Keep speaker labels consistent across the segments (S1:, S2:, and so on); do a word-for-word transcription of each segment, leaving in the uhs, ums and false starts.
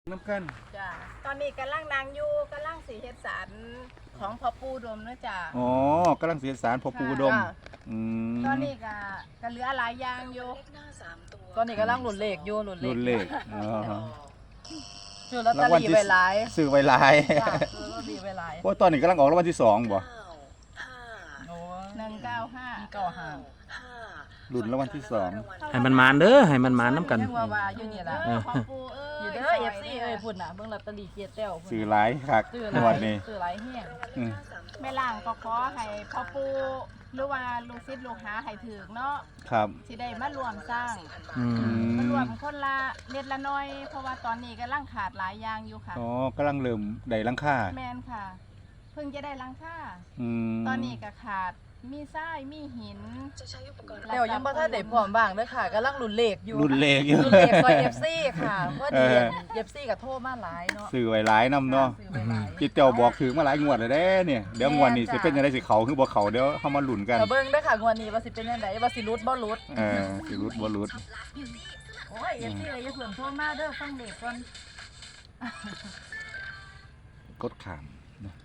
S1: น้ำกัน
S2: จ้ะตอนนี้กำลังนางอยู่กำลังสีเฮ็ดสารของพ่อปู่ดมนะจ้ะ
S1: อ๋อกำลังเสียสารพ่อปู่อุดมอืม
S2: ตอนนี้ก็ก็เหลือหลายอย่างอยู่
S3: ตอนนี้กำลังหลุดเลขอยู่หลุดเลข
S1: รุ่นเลขอ๋อ
S3: ซื้อลอตเตอรี่ไว้หลาย
S1: ซื้อไว้หลาย
S3: จ้ะซื้อลอตเตอรี่ไว้หลาย
S1: เพราะตอนนี้กำลังออกรางวัลที่สองบ่
S3: โอ้
S2: หนึ่งเก้าห้า
S3: เก้าห้า
S1: รุ่นรางวัลที่สอง
S4: ให้มันมานเด้อให้มันมานน้ำกัน
S3: ยังว่าว่าอยู่นี่ล่ะ
S2: เออพ่อปู่เอ้
S3: อยู่
S2: ย
S3: เด้อ เอฟ ซี เอ้ยพุ่นน่ะเบิ่งลอตเตอรี่เกียรติแต้วพุ่น
S1: ซื้อหลายคัก
S3: ซื้อห
S1: ง
S3: ลา
S1: วย ดนี้
S3: ซื้อหลายแฮง
S1: อืม
S2: แม่ล่างก็ขอให้พ่อปู่หรือว่าลูกศิษย์ลูกหาให้ถึกเนาะ
S1: ครับ
S2: สิได้มารวมสร้าง
S4: อืม
S2: มารวมคนละเล็ดละน้อย เพราะว่าตอนนี้กำลังขาดหลายอย่างอยู่ค่ะ
S1: อ๋อกำลังเริ่มได้หลังค่า
S2: แมนค่ะ เพิ่งจะได้หลังค่า
S1: อืม
S2: ตอนนี้ก็ขาดมีทรายมีหิน
S3: แต้วยังบ่ทันได้พร้อมบ้างเด้อค่ะกำลังหลุดเลขอยู่
S1: รุ่นเลขอยู่
S3: หลุดเลขซอย เอฟ ซี ค่ะพอดี
S1: เออ
S3: เอฟ ซี ก็โทรมาหลายเนาะ
S1: ซื้อไว้หลายนำเนาะ
S3: ซื้อไว้หลาย
S1: จิตเจ้าบอกถือมาหลายงวดแล้วเด้เนี่ยเดี๋ยวงวดนี้สิเป็นจังได๋สิเขาคือบ่เขาเดี๋ยวเฮามาลุ้นกัน
S3: แต่เบิ่งเด้อค่ะงวดนี้ว่าสิเป็นจังไดว่าสิรุดบ่รุด
S1: เออสิรุดบ่รุด
S3: โอ้ย เอฟ ซี เลยอย่าเพิ่งโทรมาเด้อฟังเด็กก่อน
S1: กดข้ามเนาะ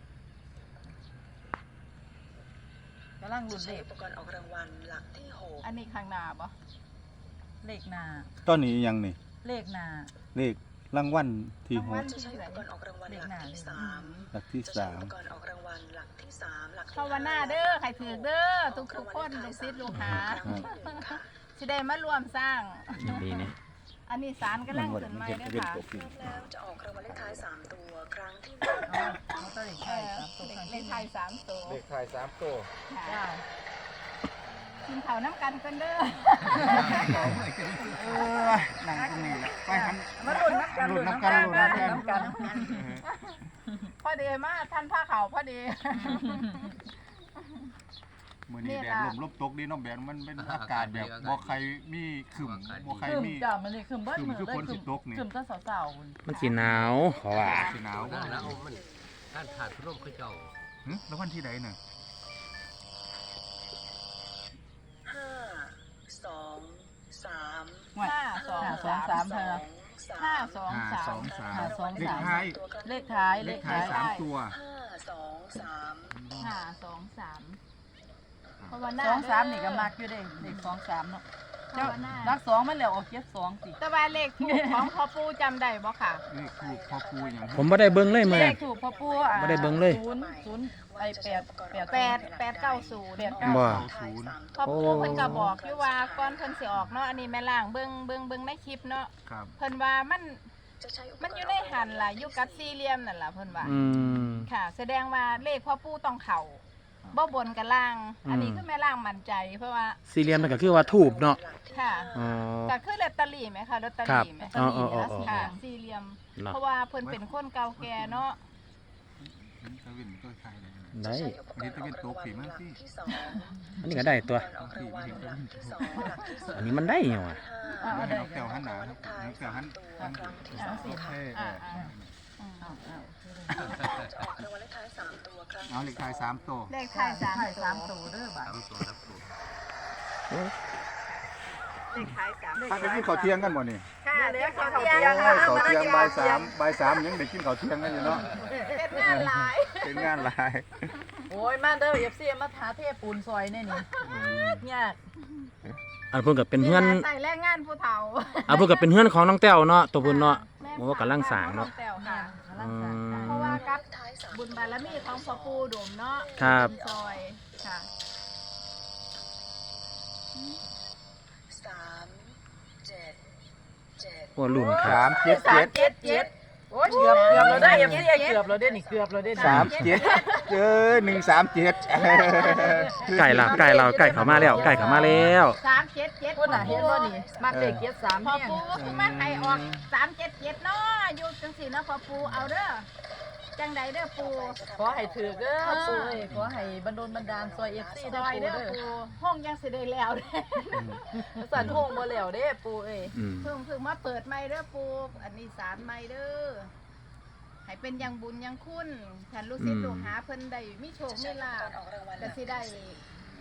S3: กำลังหลุดเลข
S5: อุปกรณ์ออกรางวัลหลักที่หก
S2: อันนี้ข้างหน้าบ่
S3: เลขหน้า
S1: ตอนนี้ยังนี่
S3: เลขหน้า
S1: เลขรางวัลที่หก
S5: จะใช้อุปกรณ์ออกรางวัลหลักที่สาม
S1: หลักที่
S5: จะใช้
S1: สา
S5: อุ
S1: ม
S5: ปกรณ์ออกรางวัลหลักที่สามหลักที่
S2: ภาวนาเด้อใครถือเด้อทุกทุกๆคนลูกศิษย์ลูกหา
S5: ครั้งที่หนึ่งค่ะ
S2: สิได้มารวมสร้าง
S4: ดีนี่
S2: อันนี้สารกำลังขึ้นใหม่เด้อค่ะ
S5: พร้อมแล้วจะออกรางวัลเลขท้ายสามตัวครั้งที่ห
S3: เอาเอาตัวเลข
S2: เอ
S3: ไทย
S2: อ
S3: ครับตัว
S2: เล
S3: ครั้ง
S2: ข
S3: ที่
S2: ไทยสามตัว
S1: เลขท้ายสามตัว
S2: ค่ะ
S3: จ้า
S2: กินข้าวน้ำกันกันเด้อ
S1: เออนั่งตรงนี้แหละไปหัน
S3: มาลุ้นนับกัน
S1: ลุ้
S3: ลุ้
S1: น
S3: น
S1: น้ำ
S3: น้ำ
S1: กั
S3: กัน น
S1: ลุ้นน้ำกัน
S3: น้ำกัน
S2: พอดีมาท่านผ้าขาวพอดี
S1: มื้อนี้แดดลมลบตกดีเนาะแดดมันเป็นอากาศแบบบ่ใครมีครึมบ่ใคร
S3: คืม
S1: มี
S3: จ้ามันนี่คืมเบิ้ลมือ
S1: คืมคือ
S3: เลย
S1: คนสิ
S3: คืม
S1: ตกนี่
S3: คืมตั้งสาวๆ
S4: มันสีหนาวเขาว่า
S1: สิหนาวบ่
S6: แล้วมันท่านขาดร่มคือเจ้า
S1: หึแล้ววันที่ใดน่ะ
S5: ห้าสองสาม
S2: ห้าสอง
S3: ห้าสองสามเธอ
S2: ห้าสอง
S1: ห้า
S2: สา
S1: ส
S2: ม
S1: องสาม
S3: ห้าสอง
S1: เลข
S3: สาม
S1: ท้าย
S3: เลขท้าย
S1: เล
S3: เล
S1: ข
S3: ข
S1: ท้า
S3: ท้าย ย
S1: สามตัว
S5: ห้าสองสาม
S2: ห้าสองสามภาวนา
S3: สองสามนี่ก็มักอยู่เด้เลขสองสามเนาะเจ้า
S2: ภาวนา
S3: รักสองมันแล้วออกเจ็ดสองสิ
S2: แต่ว่าเลขถูกของพ่อปู่จำได้บ่ค่ะ
S1: เลขถูกพ่อปูอย่าง
S4: ผมไม่ได้เบิ้งเลยมื้อ
S3: เล
S4: นี้
S3: ขถูกพ่อปู่อ่ะ
S4: บ่ได้เบิ่งเลย
S3: ศูนย์ศูนย์ไอแปดแปด
S2: แปดแปดเก้าศูนย์
S3: แปดเก้า
S4: บ่
S1: ศูนย์
S2: พ่อปู่เพิ่นก็บอกอยู่ว่าก่อนเพิ่นสิออกเนาะอันนี้แม่ล่างเบิ่งเบิ่งเบิ่งในคลิปเนาะ
S1: ครับ
S2: เพิ่นว่ามัน
S5: จะใช้อุปกรณ์
S2: มันอยู่ในหันล่ะอยู่กับสี่เหลี่ยมนั่นล่ะเพิ่นว่า
S4: อืม
S2: ค่ะ แสดงว่าเลขพ่อปู่ต้องเข้าบ่บนกับล่าง อันนี้
S4: อืม
S2: คือแม่ล่างมั่นใจ เพราะว่า
S4: สี่เหลี่ยมนั่นก็คือว่าทูบเนาะ
S2: ค่ะ
S4: อ๋อ
S2: ก็คือลอตเตอรี่ไหมคะลอตเตอ
S4: ครับ
S2: รี่ไหม
S4: อ๋ออ๋ออ๋ออ๋อ
S2: ค่ะสี่เหลี่ยม
S4: เนาะ
S2: เพราะว่าเพิ่นเป็นคนเก่าแก่เนาะ
S1: ตะวินก็ใช่เลย
S4: ได้
S5: ใช้อุปกรณ์ออกรางวัลหลักที่สอง
S4: อันนี้ก็ได้ตัว
S5: อุปกรณ์ออกรางวัลหลักที่สองหลักที่สาม
S4: อันนี้มันได้ยังวะ
S3: อ่า
S1: ให้
S3: ได้
S1: น้องแก้วหันหนาครับน้องแก้วหันหัน
S5: ครั้งที่
S2: อ่า
S5: สอง
S2: สี่
S1: เออเอ
S2: อ่า
S1: อ
S2: อ่าอืม
S3: เอาเอา
S5: จะออกรางวัลเลขท้ายสามตัวครั้ง
S1: เอาเลขท้ายสามตัว
S2: เลขท้ายสาม
S3: ท้าย
S2: ตัว
S3: สามตัวเด้อบ่า
S6: สามตัวนับตัว
S2: เลขท้ายสาม
S1: ถ้าไปกินข้าวเที่ยงกันบ่นี่
S2: ค่ะเดี๋ยวเขา
S1: โอ้
S2: เที่ยง
S1: ย
S2: ค่ะ
S1: ข้าวเที่ยงบ่ายสามบ่ายสามยังได้กินข้าวเที่ยงกันอยู่เนาะ
S2: เป็นงานหลาย
S1: เป็นงานหลาย
S3: โอ้ยมาเด้อ เอฟ ซี มาหาเทปูนซอยแน่นี่ยาก
S4: อันเพิ่นก็เป็นเฮือน
S2: ใส่แรงงานผู้เฒ่า
S4: อันเพิ่นก็เป็นเฮือนของน้องแต้วเนาะตัวเพิ่นเนาะ
S2: แม่
S4: โอ้กำลังสร้างเนาะ
S2: แต้วค่ะ
S3: กำลังสร้าง
S4: อืม
S2: เพราะว่ากับ
S5: ท้ายสาม
S2: บุญบารมีของพ่อปู่ดมเนาะ
S4: ครับ
S2: เป็นซอยค่ะ
S5: สามเจ็ดเจ็ด
S4: โอ้รุ่นค
S1: สา
S4: รับ
S1: มเจ็ด
S3: สา
S1: เจ็
S3: ม
S1: ด
S3: เจ็ดเจ็ดโอ้ยเกือบเกือบเราได้ เอฟ ซี เกือบเราได้นี่เกือบเราได้นี่
S1: สามเจ็ดเจอหนึ่งสามเจ็ด
S4: ไก่ละไก่เราไก่เขามาแล้วไก่เขามาแล้ว
S2: สามเจ็ดเจ็ด
S3: คนน่ะเห็นบ่นี่มักเลขเจ็ดสาม
S2: พ่อ
S3: แห้ง
S2: ปู่ก็คือมาให้ออกสามเจ็ดเจ็ดเนาะอยู่จังสี่เนาะพ่อปู่เอาเด้อจังใดเด้อปู่
S3: ขอให้ถือเด้อปู่เอ้ยขอให้บรรดลบันดาลซอย เอฟ ซี
S2: ซ
S3: เด้อ
S2: อย
S3: ปู่
S2: เด้อ
S3: เด้อ
S2: ปู่ห้องยังสิได้แล้วเด้อ
S3: สั่นโฮงบ่แล้วเด้ปู่เอ้ย
S4: อืม
S2: เพิ่งเพิ่งมาเปิดใหม่เด้อปู่อันนี้สารใหม่เด้อให้เป็นอยังบุญอยังคุณท่านลูกศิษย์ลูกหาเพิ่นได้มีโชคมีลาภ
S5: ออกรางวัลห
S2: ก็
S5: ลัก
S2: สิได้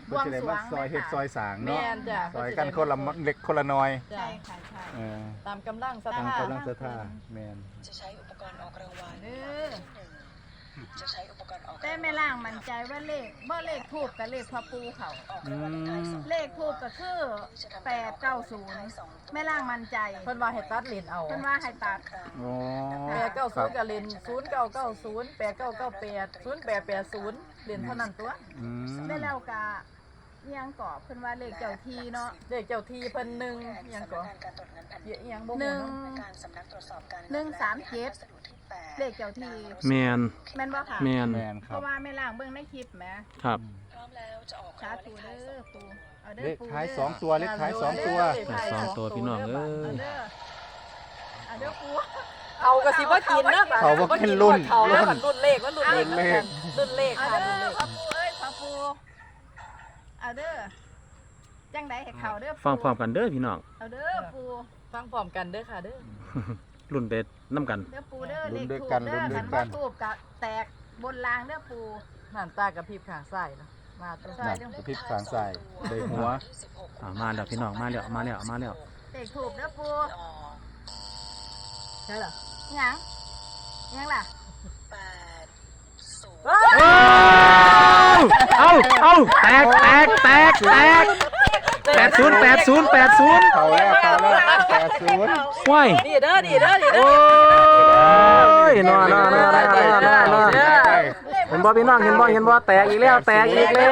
S1: เพิ่นสิได้มาซอยเฮ็ดซอยสร้าง
S3: แม่
S1: เนาะ
S3: นจ้ะ
S1: ซอยกันคนละเล็กคนละน้อย
S3: จ้ะ
S2: ใช่ค่ะใช่
S1: เออ
S3: ตามกำลังศรัท
S1: ตาม
S3: ธา
S1: กำลังศรัทธาแม่น
S5: จะใช้อุปกรณ์ออกรางวัล
S2: เด้อ
S5: จะใช้อุปกรณ์ออก
S2: แต่แม่ล่างมั่นใจว่าเลขบ่เลขทูบกับเลขพ่อปูเขา
S5: ออกรางวัลเลขท้ายสอง
S2: เลขทูบก็คือแปดเก้าศูนย์แม่ล่างมั่นใจ
S3: เพิ่นว่าให้ตัดเลนเอา
S2: เพิ่นว่าให้ตัด
S1: โอ้
S3: แปดเก้าศูนย์กับเลนศูนย์เก้าเก้าศูนย์แปดเก้าเก้าแปดศูนย์แปดแปดศูนย์เลนเท่านั้นตัว
S1: อืม
S2: ได้แล้วกะเอียงกอบเพิ่นว่าเลขเจ้าทีเนาะ
S3: เลขเจ้าที่เพิ่นหนึ่งอิหยังก็
S5: การตรวจเงินแผ่น
S3: เย
S5: ดิน
S3: อะอิหยังบ่
S2: ห
S3: ฮู้
S2: นึ่ง
S3: เนาะ
S5: การสำนักตรวจสอบการ
S2: หนึ่งสามเจ็ด
S5: วัสดุที่แปด
S2: เลขเจ้าที
S4: แมน
S2: แม่นบ่ค่ะ
S4: แมน
S1: แม่นค
S2: เพ
S1: รับ
S2: ราะว่าแม่ล่างเบิ่งในคลิปแหม
S4: ครับ
S5: พร้อมแล้วจะออก
S2: สาร
S5: างวัล
S2: ธุ
S5: เลข
S2: เด้
S5: ท้าย
S2: อ
S5: สอง
S2: ปูเอาเด้อปูเด้อ
S1: เลขท้ายสองตัวเลขท้ายสองตัว
S4: แต่สองตัวพี่น้องเอ้
S2: เอา
S4: ย
S2: เด้อเอาเด้อปู
S3: เขาก็สิบ่กินนะบัด
S1: เขาบ่กินรุ่น
S3: เขาแล้วมันรุ่นเลขมันรุ่นเลข
S1: รุ่นเลข
S3: รุ่นเลข
S2: เอา
S3: ค่ะ
S2: เด้
S3: รุ่น
S2: อ
S3: เลข
S2: พ่อปูเอ้ยพ่อปูเอาเด้อจังไดให้เขาเด้อปู
S4: ฟังพร้อมกันเด้อพี่น้อง
S2: เอาเด้อปู
S3: ฟังพร้อมกันเด้อค่ะเด้อ
S4: รุ่นเด็ดน้ำกัน
S2: เด้อปูเด้อ
S1: ลุ้
S2: เล
S1: น
S2: ข
S1: ด้วย
S2: ทูบ
S1: กัน
S2: เด้อ
S1: ลุ้นด้
S2: คั
S1: วย
S2: น
S1: กั
S2: ว่าน ทูบกะแตกบนรางเด้อปู
S3: น้ำตากับพริบข้างซ้ายเนาะมาตัว
S2: ใช่
S1: นั่นกระพริบข้างซ้ายได้หัว
S4: อ่ามาแล้วพี่น้องมาแล้วมาแล้วมาแล้ว
S2: เลขทูบเด้อปู
S3: ใช่เหรอ
S2: หยังหยังล่ะ
S5: แปดศูนย์
S4: เอาเอาแตกแตกแตกแตกแปดศูนย์แปดศูนย์แปดศูนย์
S1: เขาแล้วเขาแล้วแปดศูนย์
S4: ว้าย
S3: นี่เด้อนี่เด้อนี่เด้
S4: โอ้
S3: อย
S4: นอนนอนนอนนอนนอนนอนเห็นบ่พี่น้องเห็นบ่เห็นบ่แตกอีกแล้วแตกอีกแล้ว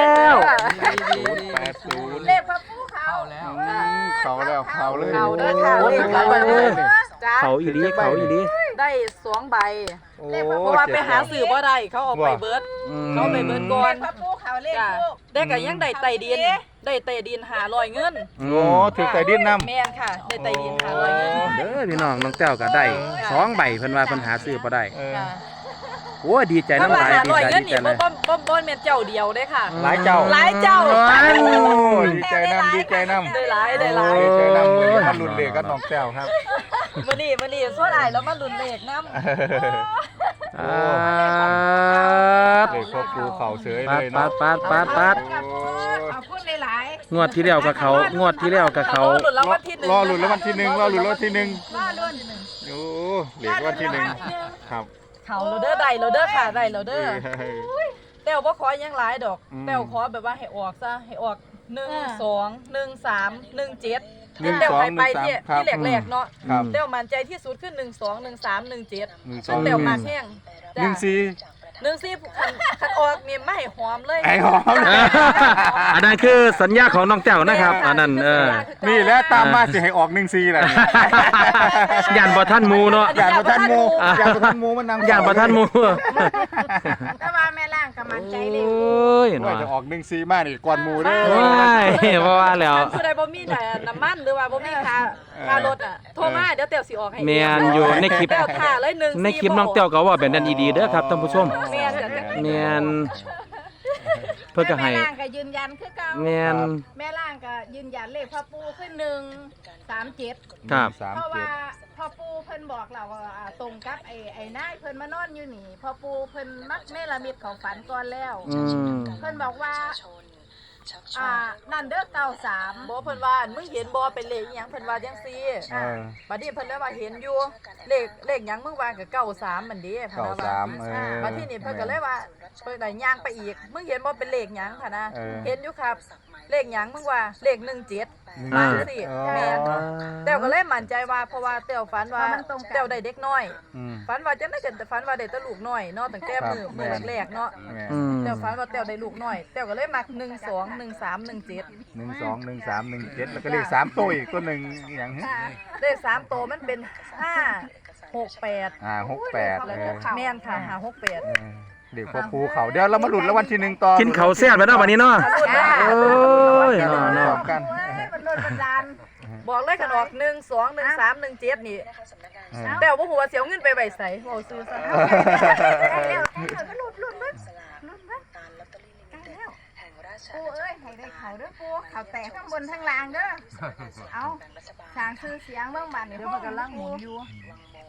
S1: แปดศูนย์
S2: เลขพระปูเขา
S6: เข้าแล้ว
S1: อืมเขาแล้วเขาเลย
S3: เขาเด้อค่ะ
S1: โอ้
S3: เล
S1: ถึ
S3: ข
S1: ง
S3: เขา
S1: ใบ
S3: เด้
S1: เล
S3: อย จ้า
S4: เขาอีหลีเขาอีหลี
S3: ได้สองใบ
S1: โอ้
S3: เพราะว่าไปหาสื่อบ่ได้เขาเอาไปเบิด
S4: อืม
S3: เขาเอาไปเบิดก่อ
S2: เล
S3: น
S2: ขพระปูเขาเลข
S3: จ้า
S2: ทูบ
S3: ได้ก็ยังได้ไต่ดิน ได้ไต่ดินหาลอยเงิน
S4: อื
S1: โอ้
S4: ม
S1: ถือไก่ดิ้นน้ำ
S3: แม่นค่ะ ได้ไต่ดินหาลอยเงิน
S4: เด้อพี่น้องน้องเจ้าก็ได้สองใบเพิ่นว่าเพิ่นหาซื้อบ่ได้
S1: เออ
S3: ค่ะ
S4: โอ้ยดีใจ
S3: ถ้า
S4: น้ำ
S3: ว่า
S4: ลาย
S3: หา
S4: ดี
S3: ลอย
S4: ใจ
S3: เงิน
S4: ดี
S3: นี่
S4: ใจเล
S3: บ่
S4: ย
S3: บ่บ่บ่แม่นเจ้าเดียวเด้ค่ะ
S1: หลายเจ้า
S3: หลายเจ้า
S1: โอ้ดีใจน้ำดีใจน้ำ
S3: ได้หลายได้หลาย
S1: ดีใจน้ำมือนี้มันรุนเลขกับน้องแก้วครับ
S3: มื้อนี้มื้อนี้สวดอายแล้วมาลุ้นเลขนำ
S4: อ่า
S1: เลขพ่อปูเขาเฉย
S4: ปั
S1: เล
S4: ด
S1: ย
S4: ปั
S1: เนาะ
S4: ดปัดปัดปัด
S2: กับปูขอบคุณหลาย
S4: งวดที่แล้วกับเขางวดที่แล้วกับเขา
S3: รอลุ้นรางวัลที่หนึ่ง
S1: รอหลุดแล้ววันที่หนึ่งรอหลุดแล้ววันที่หนึ่ง
S2: ๆว่ารุ่น
S1: โอ้เลขวันที่หนึ่งครับ
S3: เขาเราเด้อได้เราเด้อค่ะได้เราเด้อ
S1: เฮ้ย
S3: แต้วบ่ขอหยังหลายดอก
S1: อืม
S3: แต้วขอแบบว่าให้ออกซะให้ออกหนึ่งสองหนึ่งสามหนึ่งเจ็ด
S1: หนึ่ง
S3: แต้ว
S1: สอง
S3: ไปไป
S1: หนึ่งสาม
S3: ที่
S1: ครับ
S3: ที่แรกๆเนาะ
S1: ครับ
S3: แต้วมั่นใจที่สุดคือหนึ่งสองหนึ่งสามหนึ่งเจ็ด
S1: หนึ่งส
S3: ซึ่
S1: อง ง
S3: แต้วมากแห้ง
S1: หนึ่งสี่
S3: หนึ่งสี่คันคันออกนี่ไม่ให้หอมเลย
S1: ไอ้หอม
S4: อันนั้นคือสัญญาของน้องเจ้านะครับอันนั้นเออ
S1: นี่แหละตามมาสิให้ออกหนึ่งสี่แหละ
S4: ยันบ่ท่านหมูเนาะ
S1: ยานประทันหมูยานประทันหมูมันนำ
S4: ยันบ่ท่านหมู
S2: แต่ว่าแม่ล่างก็มั่นใจเล
S4: โอ
S2: ย้
S4: ย
S1: ว่า
S4: เนาะ
S1: จะออกหนึ่งสี่มานี่ก่อนหมูเด้อ
S4: ว้ายเพราะว่าแล้ว
S3: คันผู้ใดบ่มีแต่น้ำมันหรือว่าบ่มีค่าค่ารถอ่ะโทรมาเดี๋ยวแต้วสิออกให้
S4: แม่นอยู่ในคลิป
S3: แต้วท่าเลยหนึ่ง
S4: ในคลิปน้องเต้าก็ว่าแบบนั้นดีๆเด้อครับท่านผู้ชม
S3: แม่นจ้ะ
S4: แม่นเพิ่นก็ให้
S2: แม่ล่างก็ยืนยันคือเก่า
S4: แม่น
S2: แม่ล่างก็ยืนยันเลขพ่อปูขึ้นหนึ่งสามเจ็ด
S4: ครับ
S1: สาม
S2: เพราะ
S1: เจ็
S2: ว่า
S1: ด
S2: พ่อปูเพิ่นบอกเราว่าอ่าตรงกับไอ้ไอ้นายเพิ่นมานอนอยู่นี่พ่อปูเพิ่นมักเนรมิตของฝันก่อนแล้ว
S4: อืม
S2: เพิ่นบอกว่า
S5: ชักช
S2: อ่า
S5: วน
S2: นั่นเด้อเก้าสาม
S3: บ่เพิ่นว่ามึงเห็นบ่เป็นเลขอีหยังเพิ่นว่าจังซี่
S1: เออ
S3: บัดนี้เพิ่นเลยว่าเห็นอยู่เลขเลขหยังมึงว่าก็เก้าสามมันเด้เพิ่น
S1: เก้า
S3: ว่า
S1: สามเออ
S3: บัดนี้นี่เพิ่นก็เลยว่าเพิ่นได้ย่างไปอีกมึงเห็นบ่เป็นเลขหยังค่ะนะ
S1: เออ
S3: เห็นอยู่ครับเลขหยังมึงว่าเลขหนึ่งเจ็ด
S1: หนึ่ง
S3: มา
S1: เจ็ด
S3: สิ
S1: อ๋อ
S3: แม่นแต้วก็เลยมั่นใจว่าเพราะว่าแต้วฝันว่าแต้วได้เด็กน้อย
S1: อืม
S3: ฝันว่าจังได๋ก็ฝันว่าได้แต่ลูกน้อยเนาะตั้งแต่มื้อ
S1: ครับ
S3: มื้อ
S1: แม่น
S3: แรกๆเนาะ
S1: แม่
S4: อืม
S3: แต้วฝันว่าแต้วได้ลูกน้อยแต้วก็เลยมักหนึ่งสอง หนึ่งสาม หนึ่งเจ็ด
S1: หนึ่งสองหนึ่งสามหนึ่งเจ็ดแล้วก็เลขสามตัวอีกตัวหนึ่งอย่างนี้
S3: เลขสามตัวมันเป็นห้าหกแปด
S1: อ่าหกแปด
S3: แล้ว
S1: เอ
S3: ก็
S1: อ
S3: แม่นค่ะหาหกแปด
S1: เออเด็กพ่อภูเขาเดี๋ยวเรามาหลุดแล้ววันที่หนึ่งต่อ
S4: กินเขาวแซ่บไปเนาะบัดนี้เนาะ โอ้ย
S1: เนา
S4: เนาะ
S1: ะ
S4: เนาะ
S1: กัน
S2: โอ้ยมันโดนบันดาล
S3: บอกเลยกันออกหนึ่งสองหนึ่งสามหนึ่งเจ็ดนี่
S5: นะคะสำนักงาน
S1: เออ
S3: แต่ว่าหัวาเสียวเงินไปใบใสเบาซื้อซะ
S2: ได้แล้วได้แล้วก็หลุดหลุดหลุด
S5: สลาก
S2: หลุดเบิด
S5: ตาลลอตเตอรี่ลิมิ
S2: ได้
S5: เต็ด
S2: แล้ว
S5: แห่งราช
S2: ปู
S5: อาณา
S2: เอ้ย
S5: จักร
S2: ให้ได้เขาเด้อปูเขาแตกทั้งบนทั้งล่างเด้อเอา
S5: รัฐบาล
S2: สร้างชื่อเสียงเมืองบ้านนี่
S3: เดี๋ยวมันกำลังหมุนอยู่
S5: วังโม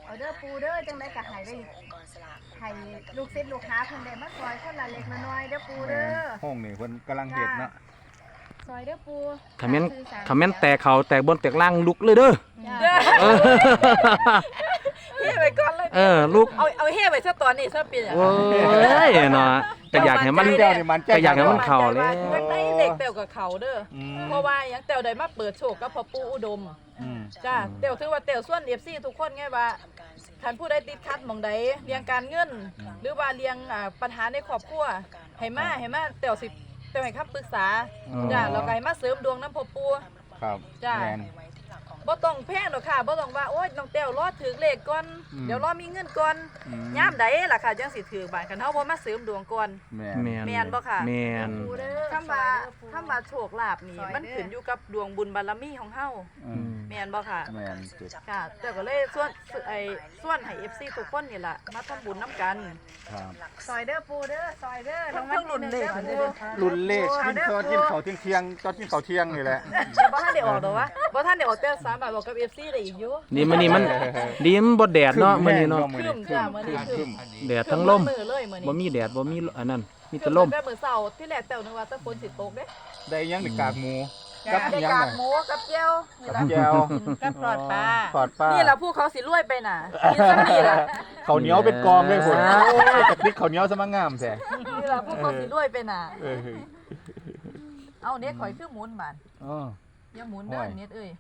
S2: เอาเด้อปูเด้อจังได๋ก็ให้ได้
S5: องค์กรสลาก
S2: ให้ลูกศิษย์ลูกหาเพิ่นได้มาซอยคนละเล็กละน้อยเด้อปูเด้อ
S1: ห้องนี่เพิ่นกำลังเฮ็ดเนาะ
S2: ซอยเด้อปู
S4: คอมเมนต์คอมเมนต์แตกเขาแตกบนแตกล่างลุกเลยเด้อ
S2: จ้า
S4: เออ
S3: เฮ้ไปก่อนเลย
S4: เออลุก
S3: เอาเอาเฮ้ไปซะตอนนี้ซะปีอ่ะ
S4: โอ้ยเนาะก็อยากให้มัน
S1: เจ้านี่มันใจ
S4: ก็อยากให้มันเข้าเลย
S3: อยากได้เด็กเต่วกับเขาเด้อ
S1: อืม
S3: เพราะว่าหยังเต่วได้มาเปิดโชคกับพ่อปู่อุดม
S1: อืม
S3: จ้าเต่วถือว่าเต่วส่วน เอฟ ซี ทุกคนไงว่าคันผู้ใดติดขัดหม่องใดเรียงการเงิน หรือว่าเรียงอ่าปัญหาในครอบครัวให้มาให้มาเต่วสิเต่วให้คำปรึกษาจ้าแล้วก็ให้มาเสริมดวงนำพ่อปู่
S1: ครับ
S3: จ้า
S1: แม่น
S3: บ่ต้องแพงดอกค่ะบ่ต้องว่าโอ๊ยน้องแต้วรอถือเลขก่อน
S1: อืม
S3: เดี๋ยวรอมีเงินก่อน
S1: อืม
S3: ยามใดล่ะค่ะจังสิถือบานคันเฮาบ่มาเสริมดวงก่อน
S1: แม่น
S4: แม่น
S3: แม่นบ่ค่ะ
S4: แม่น
S2: ปูเด้อ
S3: คำว่าคำว่าโชคลาภนี่มันขึ้นอยู่กับดวงบุญบารมีของเฮา
S1: อืม
S3: แม่นบ่ค่ะ
S1: แม่นจุด
S3: ค่ะแต่ก็เลยส่วนไอ้ส่วนให้ เอฟ ซี ทุกคนนี่ล่ะมาทำบุญนํกัน
S1: ครับ
S2: ซอยเด้อปูเด้อซอยเด้อ
S3: เพิ่งรุ่นเลข
S2: รางวัลที่ห
S3: เด้
S2: นึ่
S3: อ
S2: งเด้อปู
S1: รุ่นเลขกินตอนกินข้าวเที่ยงๆตอนกินข้าวเที่ยงนี่แหละ
S3: บ่ทันได้ออกดอกวะบ่ทันได้ออกแต่สามารถบอกกับ เอฟ ซี ได้อีกอยู่
S4: นี่มื้อนี้มันดีมันบ่แดดเนาะมื้อนี้เนาะ
S3: ครึ้มจ้ะมื้อนี้ครึ้ม
S4: แดดทั้งลม
S3: มือเลยมื้อนี้
S4: บ่มีแดดบ่มีอันนั้นมี
S3: ค
S4: แต่
S3: รึ้ม
S4: ลม
S3: แต่มื้อเช้าที่แรกแต้วนึกว่าแตะฝนสิตกเด้
S1: ได้ยังนี่กากหมูกับ
S3: ได้
S1: ยัง
S3: กาก
S1: น่ะ
S3: หมูกับเจียวนี่
S1: กับ
S3: ล่ะ
S1: แก้ว
S2: กับปลอดปลา
S1: ปอดป้า
S3: นี่ล่ะผู้เขาสิรวยไปน่ะกินซักนี่ล่ะ
S1: ข้าวเหนียวเป็นกองเลยพุ่นโอ้ยกับพริกข้าวเหนียวซะมางามแท้
S3: นี่ล่ะผู้เขาสิรวยไปน่ะ
S1: เออ
S3: เอาเน็ตข่อยคือหมุนบาด
S1: อ๋อ
S3: อย่าหมุนเด้อ
S1: โอ้ย
S3: เน็ตเอ้ย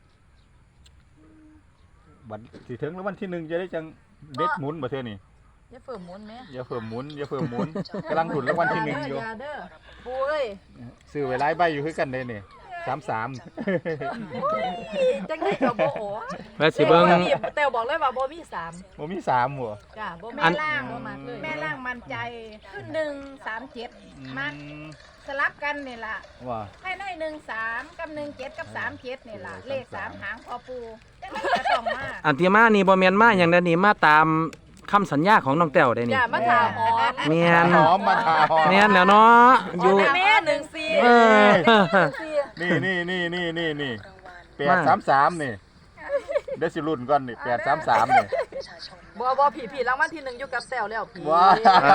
S1: วันสิถึงแล้ววันที่หนึ่งจะได้จังเด็ดหมุนบ่เท่านี่
S3: อย่าเฟิ่มหมุนแม่
S1: อย่าเพิ่มหมุนอย่าเพิ่มหมุนกำลังหุ่นแล้ววันที่หนึ่งอยู่
S3: อย่าเด้อปูเอ้ย
S1: ซื้อไว้หลายใบอยู่คือกันเด้นี่สามสาม
S3: จังได๋ก็บ่โอ้
S4: แล้วสิเบิ่ง
S3: แต่บอกเลยว่าบ่มีสาม
S1: บ่มีสามหัว
S3: จ้าบ่มี
S2: แม่ล่าง
S3: บ่มากเลย
S2: แม่ล่างมั่นใจขึ้นหนึ่งสามเจ็ดมักสลับกันนี่ล่ะ
S1: ว่า
S2: ให้ได้หนึ่งสามกับหนึ่งเจ็ดกับสามเจ็ดนี่ล่ะเลขสามหางพอปูจังได๋ก็ต้องมา
S4: อันที่มานี่บ่แม่นมาหยังเด้อนี่มาตามคำสัญญาของน้องแต้วได้นี่
S3: จ้ามาถามหอม
S4: แม่น
S1: หอมมาทาหอม
S4: แม่นแล้วเนาะอยู่
S3: แม่หนึ่งสี่
S4: เออ
S1: นี่นี่นี่นี่นี่นี่
S5: รางวัล
S1: แปดสามสามนี่เดี๋ยวสิรุ่นก่อนนี่แปดสามสามนี่
S5: ประชาชน
S3: บ่บ่ผีผีรางวัลที่หนึ่งอยู่กับแต้วแล้วผี
S1: ว้าร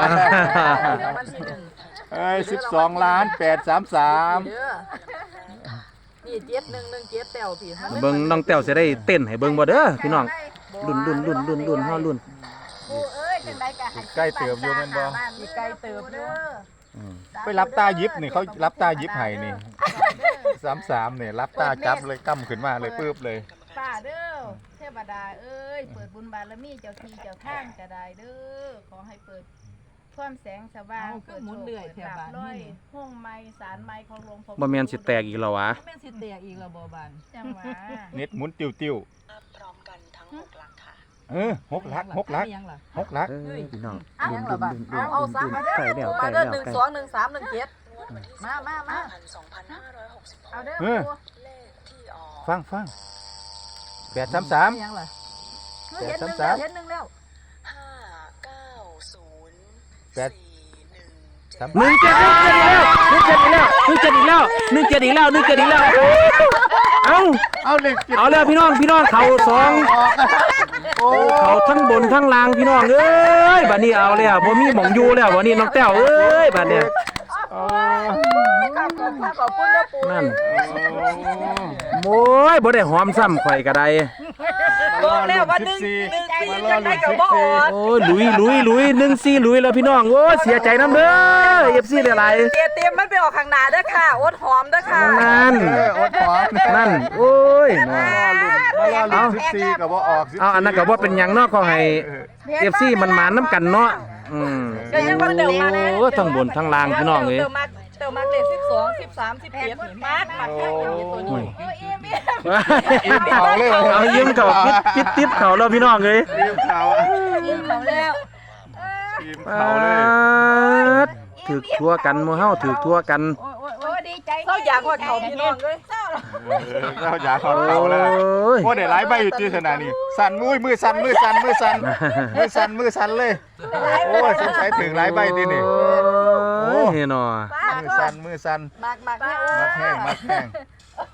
S3: างวัลที่หนึ่ง
S1: เอ้ยสิบสองล้านแปดสามสาม
S3: เด้อนี่เจ็ดหนึ่งหนึ่งเจ็ดแต้วผีมัน
S4: เบิ่งน้องแต้วสิได้เต้นให้เบิ่งบ่เด้อพี่น้องรุ่นรุ่นรุ่นรุ่นรุ่นเฮารุ่น
S2: ปูเอ้ยจังได๋ก็ให้
S1: ใกล้เติมอยู่แม่นบ่
S2: อีกใกล้เติมเด้อ
S4: อืม
S1: ไปรับตายิบนี่เขารับตายิบให้นี่สามสามนี่รับตาจับเลยกั้มขึ้นมาเลยปื๊บเลย
S2: ป้าเด้อเทวดาเอ้ยเปิดบุญบารมีเจ้าที่เจ้าทางก็ได้เด้อขอให้เปิดความแสงสว่างเปิดโชคเปิดลาภร้อยห้องไม้สารไม้ของหลวงพ่อ
S4: บ่แม่นสิแตกอีกแล้ววะ
S3: แม่นสิแตกอีกแล้วบ่บาน
S2: จังหวะ
S1: เน็ตหมุนติ้วติ้ว
S5: นับพร้อมกันทั้งหกหลักค่ะ
S1: เออหกลักหกลัก
S3: มียังล่ะ
S1: หกลัก
S4: เอ้ยพี่น้อง
S3: อ้าว
S4: รุ่
S3: ยั
S4: น
S3: ง
S4: รุ่
S3: ล่ะ
S4: น
S3: บา
S4: รุ่นรุ่น
S3: เอาเอาซะ
S4: รุ่น
S3: มาเด้
S4: ใกล้แล้ว
S3: อ
S4: ใก
S3: มา
S4: ล้
S3: เด้อ
S4: แล้ว
S3: หนึ่ง
S4: ใกล้
S3: สองหนึ่งสามหนึ่งเจ็ดมามามา
S5: พันสองพันห้าร้อยหกสิบหก
S2: เอาเด้อ
S1: เออ
S2: ปู
S5: เลขที่ออก
S1: ฟังฟังแปดสามสาม
S3: มียังล่ะ
S1: แปด
S3: เห็นหนึ่ง
S1: สามสาม
S3: แล้วเห็นหนึ่งแล้ว
S5: ห้าเก้าศูนย์
S1: แปด
S5: สี่หนึ่ง
S1: สาม
S4: หนึ่งเจ็ดหนึ่งเจ็ดอีกแล้วหนึ่งเจ็ดอีกแล้วหนึ่งเจ็ดอีกแล้วหนึ่งเจ็ดอีกแล้วหนึ่งเจ็ดอีกแล้วเอ้า
S1: เอาเลขเจ็ด
S4: เอาแล้วพี่น้องพี่น้องเขาสอง
S1: โอ้
S4: เขาทั้งบนทั้งล่างพี่น้องเอ้ยบัดนี้เอาแล้วบ่มีหม่องอยู่แล้วบัดนี้น้องแต้วเอ้ยบัดเนี้ย
S1: โอ้
S3: ขอบคุณค่ะขอบคุณเด้อปู่
S4: นั่นโอ้ยบ่ได้หอมซ้ำข่อยก็ได้
S3: บอกแล้วว่าหนึ่งหนึ่งสี่จังได๋ก็บ่ออก
S4: โอ้ยลุยลุยลุยหนึ่งสี่ลุยแล้วพี่น้องโอ้ยเสียใจน้ำเด้อ เอฟ ซี หลาย
S3: เตรียมเตรียมมันไปออกข้างหน้าเด้อค่ะอดหอมเด้อค่ะ
S4: ๆนั่น
S1: เอออดหอม
S4: นั่นโอ้ยน่ะ
S1: มารอลุ้นสิบสี่กับว่าออกสิบสี่
S4: เอาอันนั้นก็บ่เป็นหยังเนาะขอให้ เอฟ ซี มันมาน้ำกันเนาะอืม
S3: ก็ยังว่าเดี๋ยวมาแน่
S4: โอ้ทั้งบนทั้งล่างพี่น้องเอ้ย
S3: เดี๋ยวมาเดี๋ยวมาเลขสิบสอง สิบสาม สิบเอ็ดนี่มากมากแค่นี้ตัวนี้
S2: โอ้ยเอ็มเอ็ม
S1: อิ่มเขาเลย
S4: เอายิ้มเขาปิดปิดติ๊บเขาแล้วพี่น้องเอ้ย
S1: อิ่มเขา
S2: ยิ้มเขาแล้ว
S1: อิ่ม
S4: ป
S1: เขาเลย
S4: าดถือทั่วกันหมู่เฮาถือทั่วกัน
S2: โอ้ยโอ้ยโอ้ยดีใจ
S3: เศร้าอยากว่าเขาพี่น้องเลย
S2: เศร้า
S1: เออเราอยากเขา
S4: โอ้
S1: เขาเลย
S4: ย
S1: โอ้ได้หลายใบอยู่ที่ขนาดนี้สั่นมือมือสั่นมือสั่นมือสั่นมือสั่นมือสั่นเลยโอ้ยสงสัยถึงหลายใบที่นี่
S4: โอ้ยเนาะ
S1: มือสั่นมือสั่น
S3: มากมากแค่
S1: มักแห้งมักแห้งอื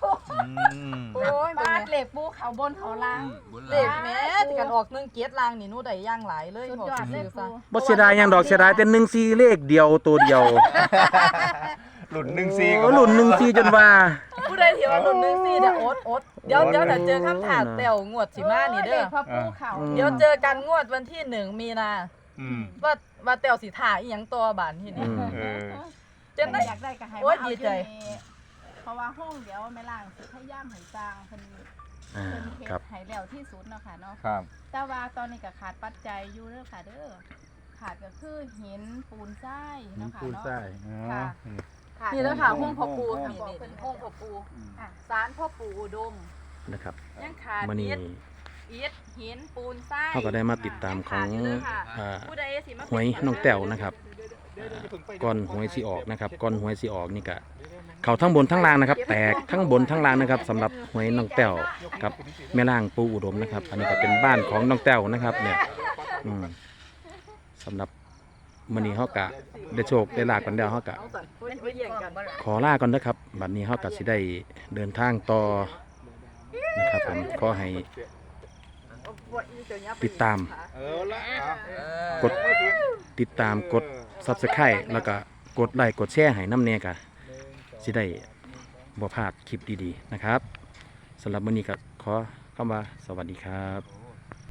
S3: โอ้ย
S2: บา
S3: บ้า
S2: ดเหล็กปูเขาบนเขาล่าง
S6: บน
S3: เลขแม่ที่กันออกหนึ่งเกียรติลางนี่หนูได้ย่างหลายเลย
S2: สุด
S3: บอก
S2: ยอดเลย
S3: ซื่อๆ
S2: ปู
S3: ซะ
S4: บ่เสียดายหยังดอกเสียดายแต่หนึ่งสี่เลขเดียวตัวเดียว
S1: หลุนหนึ่งซี
S4: โอ้หลุ่นหนึ่งสี่จนว่า
S3: ผู้ใดที่ว่าหนุนหนึ่งสี่เดี๋ยวอดอดเดี๋ยวเดี๋ยวแต่เจอคำถามแต้วงวดสิมานี่เด้อ
S2: พอปูเขา
S3: เดี๋ยวเจอกันงวดวันที่หนึ่งมีนา
S1: อืม
S3: ว่าว่าแต้วสิถ่ายอีหยังตัวบานที่
S4: อื
S3: นี่
S4: ม
S1: เออ
S3: เจนได้
S2: อยากได้ก็ให้
S3: โอ๊
S2: มาย เอา
S3: ดี
S2: อยู่
S3: ใจ
S2: นี่เพราะว่าห้องเดี๋ยวแม่ล่างสิพยายามให้สร้างเพิ่น
S4: อ่า
S2: เพิ่นเฮ็
S4: ครับ
S2: ดให้แล้วที่สุดเนาะค่ะเนาะ
S1: ครับ
S2: แต่ว่าตอนนี้ก็ขาดปัจจัยอยู่เด้อค่ะเด้อขาดก็คือหินปูนทรายเนาะค่ะ
S1: ปูน
S2: เนาะ
S1: ไส้อ๋อ
S2: ค่ะ ขาด
S3: นี่แล้วค่ะห้องพ่อปู
S2: ค่ะ
S3: นี่
S2: บอก
S3: นี่
S2: เพิ่น
S3: ห้องพ่อปู
S2: อ่ะ
S3: ศาลพ่อปูอุดม
S4: นะครับ
S3: ยังขาด
S4: มื้อนี้
S3: อิฐอิฐหินปูนทราย
S4: เขาก็ได้มาติดตามของ
S3: ยังขาดยู่เลยค่ะ
S4: อ่า
S3: ผู้ใดสิมา
S4: หวยน้องแต้วนะครับก่อนหวยสิออกนะครับก่อนหวยสิออกนี่ก็เขาทั้งบนทั้งล่างนะครับ แตกทั้งบนทั้งล่างนะครับสำหรับหวยน้องแต้วกับแม่ล่างปูอุดมนะครับ อันนี้ก็เป็นบ้านของน้องแต้วนะครับ เนี่ยอืมสำหรับมื้อนี้เฮากะได้โชคได้ลาบกันแล้วเฮากะ
S3: เอาสั่นไว้แย่งกัน
S4: ขอลาก่อนนะครับบัดนี้เฮากะสิได้เดินทางต่อนะครับผมขอให้ติดตาม
S1: เออละ
S4: กดติดตามกด Subscribe แล้วก็กดไลค์กดแชร์ให้น้ำแน่กะสิได้บ่พลาดคลิปดีๆนะครับสำหรับมื้อนี้ก็ขอคำว่าสวัสดีครับ